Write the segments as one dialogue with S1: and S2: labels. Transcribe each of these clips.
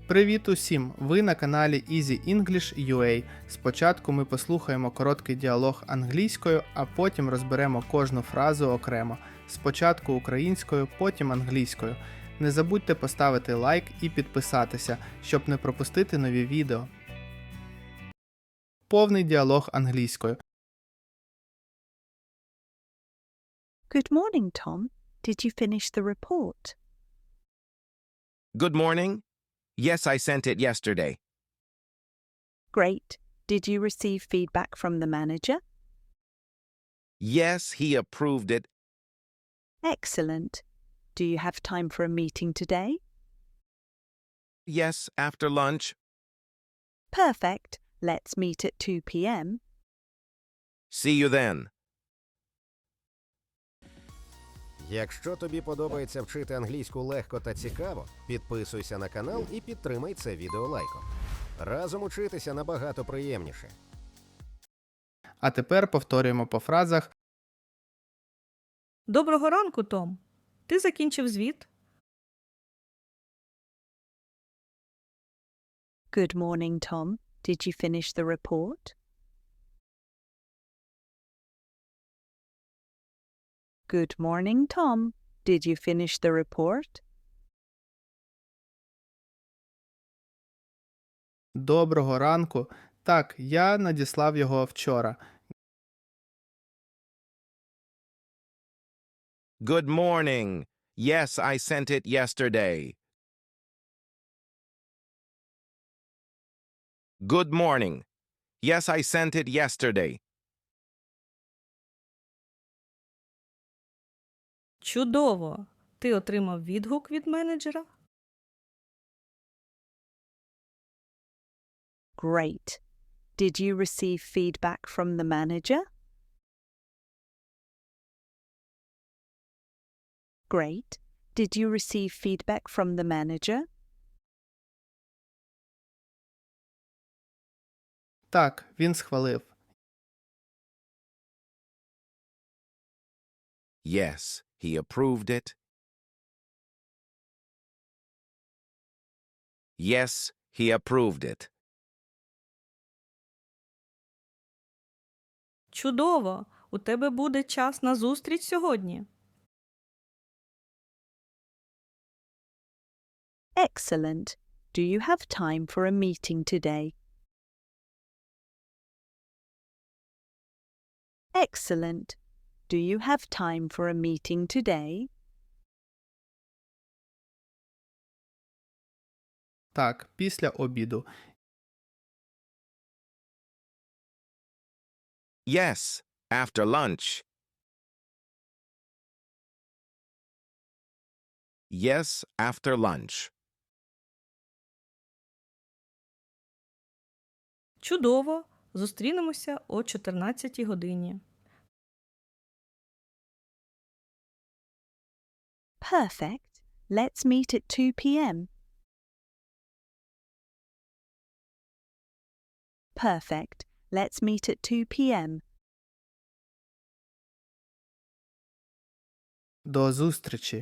S1: Привіт усім! Ви на каналі Easy English UA. Спочатку ми послухаємо короткий діалог англійською, а потім розберемо кожну фразу окремо. Спочатку українською, потім англійською. Не забудьте поставити лайк і підписатися, щоб не пропустити нові відео. Повний діалог англійською.
S2: Good morning, Tom. Did you finish the report?
S3: Good morning. Yes, I sent it yesterday.
S2: Great. Did you receive feedback from the manager?
S3: Yes, he approved it.
S2: Excellent. Do you have time for a meeting today?
S3: Yes, after lunch.
S2: Perfect. Let's meet at 2 p.m.
S3: See you then.
S4: Якщо тобі подобається вчити англійську легко та цікаво, підписуйся на канал і підтримай це відео лайком. Разом учитися набагато приємніше.
S1: А тепер повторюємо по фразах.
S5: Доброго ранку, Том. Ти закінчив звіт?
S2: Good morning, Tom. Did you finish the report? Good morning, Tom. Did you finish the report?
S1: Доброго ранку. Так, я надіслав його вчора.
S3: Good morning. Yes, I sent it yesterday. Good morning. Yes, I sent it yesterday.
S5: Чудово! Ти отримав відгук від менеджера?
S2: Great. Did you receive feedback from the manager? Great. Did you receive feedback from the manager?
S1: Так, він схвалив.
S3: Yes, he approved it. Yes, he approved it.
S5: Чудово! У тебе буде час на зустріч сьогодні.
S2: Excellent. Do you have time for a meeting today? Excellent. Do you have time for a meeting today?
S1: Так, після обіду.
S3: Yes, after lunch. Yes, after lunch.
S5: Чудово! Зустрінемося о 14 годині.
S2: Perfect. Let's meet at 2 p.m. Perfect. Let's meet at 2 p.m.
S1: До зустрічі.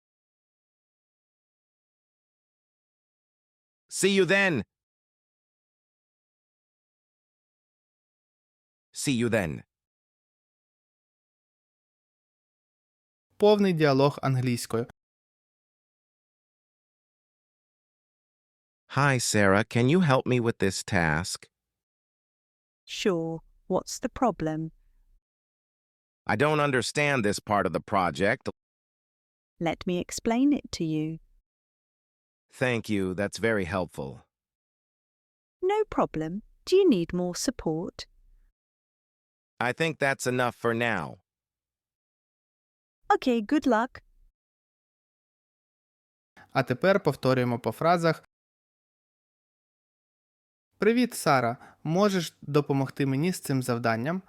S3: See you then. See you then.
S1: Повний діалог англійською.
S3: Hi, Sarah. Can you help me with this task?
S2: Sure. What's the problem?
S3: I don't understand this part of the project.
S2: Let me explain it to you.
S3: Thank you. That's very helpful.
S2: No problem. Do you need more support?
S3: I think that's enough for now.
S2: Okay, good luck.
S1: А тепер повторюємо по фразах. Привіт, Сара. Можеш допомогти мені з цим завданням?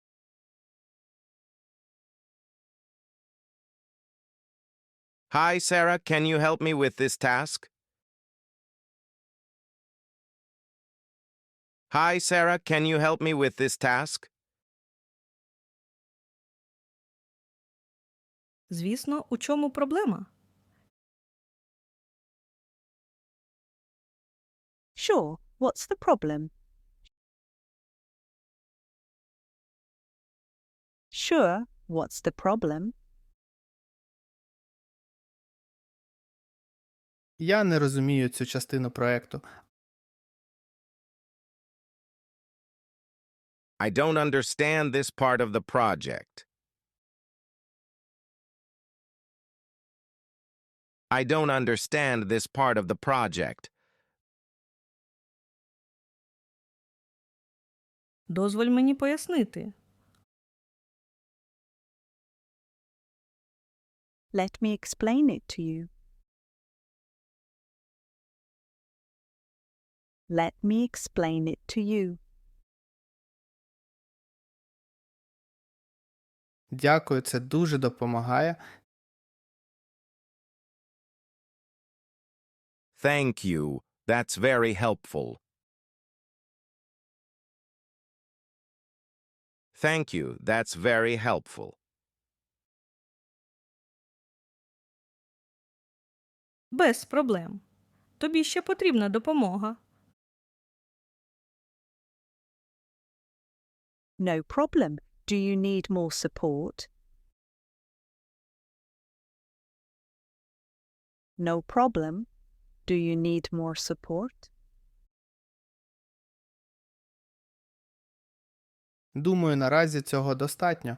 S3: Hi, Sarah. Can you help me with this task? Hi, Sarah. Can you help me with this task?
S5: Звісно, у чому проблема?
S2: Sure, what's the problem? Sure, what's the problem?
S1: Я не розумію цю частину проекту.
S3: I don't understand this part of the project. I don't understand this part of the project.
S5: Дозволь мені пояснити.
S2: Let me explain it to you. Let me explain it to you.
S1: Дякую, це дуже допомагає.
S3: Thank you. That's very helpful. Thank you. That's very helpful.
S5: Без проблем. Тобі ще потрібна допомога.
S2: No problem. Do you need more support? No problem. Do you need more support?
S1: Думаю, наразі цього достатньо.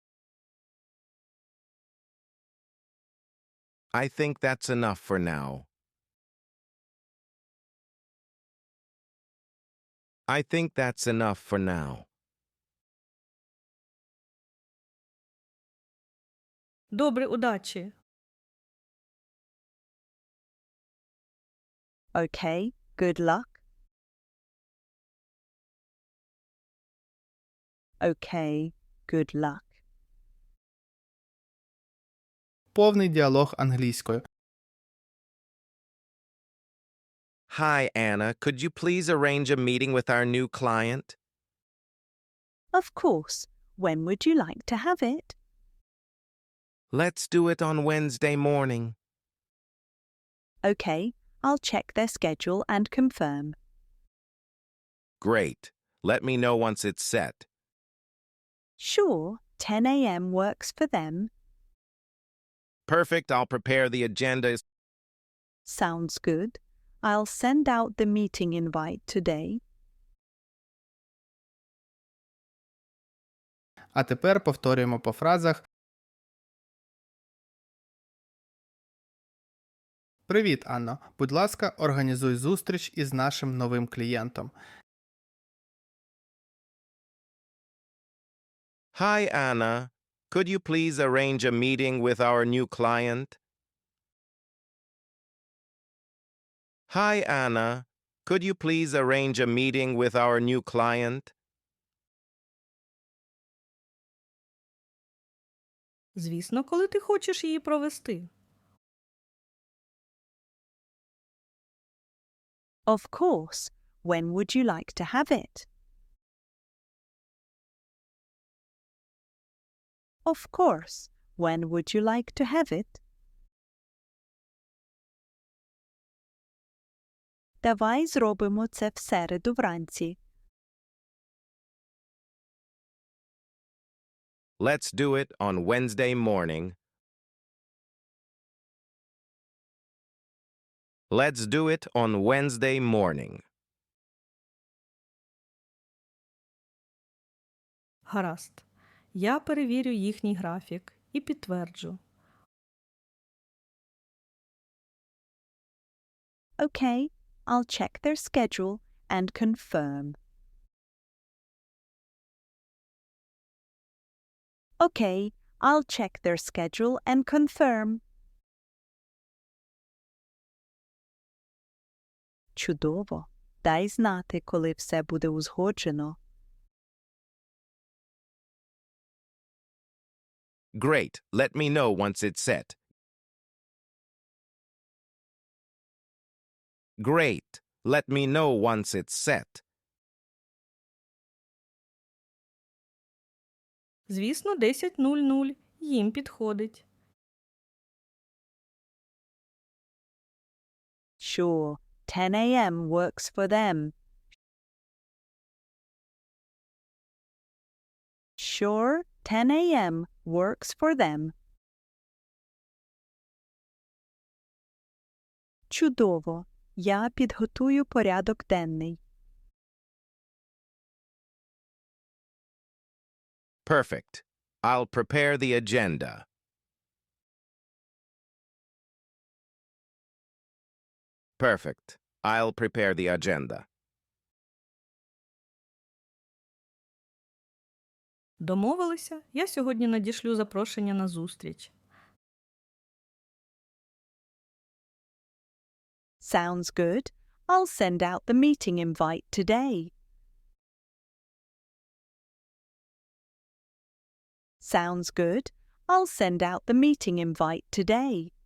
S3: I think that's enough for now. I think that's enough for now.
S5: Добре, удачі.
S2: Okay, good luck. Okay, good luck.
S1: Повний діалог англійською.
S3: Hi, Anna. Could you please arrange a meeting with our new client?
S2: Of course. When would you like to have it?
S3: Let's do it on Wednesday morning.
S2: Okay, I'll check their schedule and confirm.
S3: Great. Let me know once it's set.
S2: Sure, 10 a.m. works for them.
S3: Perfect. I'll prepare the agenda.
S2: Sounds good. I'll send out the meeting invite today.
S1: А тепер повторюємо по фразах. Привіт, Анно. Будь ласка, організуй зустріч із нашим новим клієнтом.
S3: Hi, Anna. Could you please arrange a meeting with our new client? Hi, Anna. Could you please arrange a meeting with our new client?
S5: Звісно, коли ти хочеш її провести.
S2: Of course. When would you like to have it? Of course. When would you like to have it? Давай зробимо це в середу вранці.
S3: Let's do it on Wednesday morning. Let's do it on Wednesday morning.
S5: Гаразд. Я перевірю їхній графік і підтверджу.
S2: Okay, I'll check their schedule and confirm. Okay, I'll check their schedule and confirm. Чудово. Дай знати, коли все буде узгоджено.
S3: Great. Let me know once it's set. Great. Let me know once it's set.
S5: Звісно, 10:00 їм підходить.
S2: Sure, 10 a.m. works for them. Sure, 10 a.m. works for them. Чудово. Я підготую порядок денний.
S3: Perfect. I'll prepare the agenda. Perfect. I'll prepare the agenda.
S5: Домовилися? Я сьогодні надішлю запрошення на зустріч.
S2: Sounds good. I'll send out the meeting invite today. Sounds good. I'll send out the meeting invite today.